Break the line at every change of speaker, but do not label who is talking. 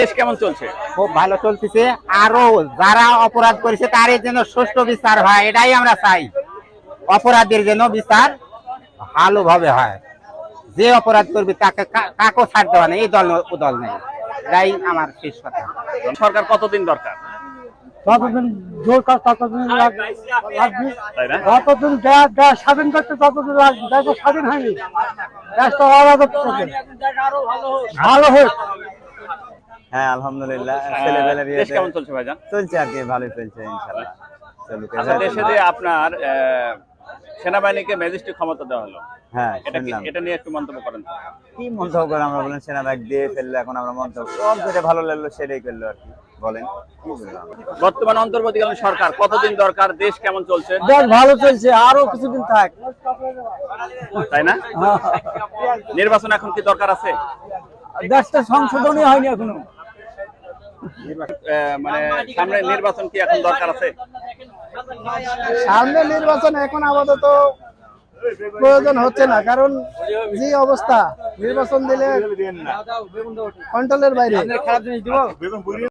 দেশ কেমন চলছে?
খুব ভালো চলতেছে। আরো যারা অপরাধ করেছে তার যেন সুষ্ঠু বিচার হয়, এটাই আমরা চাই। অপরাধের যেন বিচার ভালোভাবে হয়। যে অপরাধ করবে তাকে কাকেও ছাড় দেওয়া নেই, এই দল ও দল নেই, এটাই আমার শেষ কথা।
সরকার কতদিন দরকার?
যতদিন দরকার ততদিন লাগবে।
তাই না?
যতদিন দেশ স্বাধীন করতে ততদিন লাগবে। দেশ তো স্বাধীন হয়নি, দেশটা আলাদা করতে ভালো হোক।
হ্যাঁ আলহামদুলিল্লাহ,
দেশ কেমন চলছে ভাইজান?
চলছে আর কি, ভালোই চলছে ইনশাআল্লাহ। চলুক।
আচ্ছা, দেশে যে আপনার সেনাবাহিনীকে ম্যাজিস্ট্রেট ক্ষমতা দেওয়া হলো,
হ্যাঁ
এটা এটা নিয়ে একটু মন্তব্য করেন তো।
কি মন্তব্য করে আমরা বলেন, সেনা ব্যাগ দিয়ে ফেললো, এখন আমরা মন্তব্য সব যেটা ভালো লাগলো সেটাই করলো আর কি। বলেন কি বললাম।
বর্তমান অন্তর্বর্তীকালীন সরকার কতদিন দরকার? দেশ কেমন চলছে?
দেশ ভালো চলছে, আরো কিছুদিন থাক।
তাই না? নির্বাচন এখন কি দরকার আছে?
দেশটা সংশোধনই হয়নি এখনো।
মানে সামনে নির্বাচন কি এখন দরকার আছে?
সামনে নির্বাচন এখন আপাতত প্রয়োজন হচ্ছে না, কারণ যে অবস্থা নির্বাচন দিলে কন্ট্রোলের বাইরে।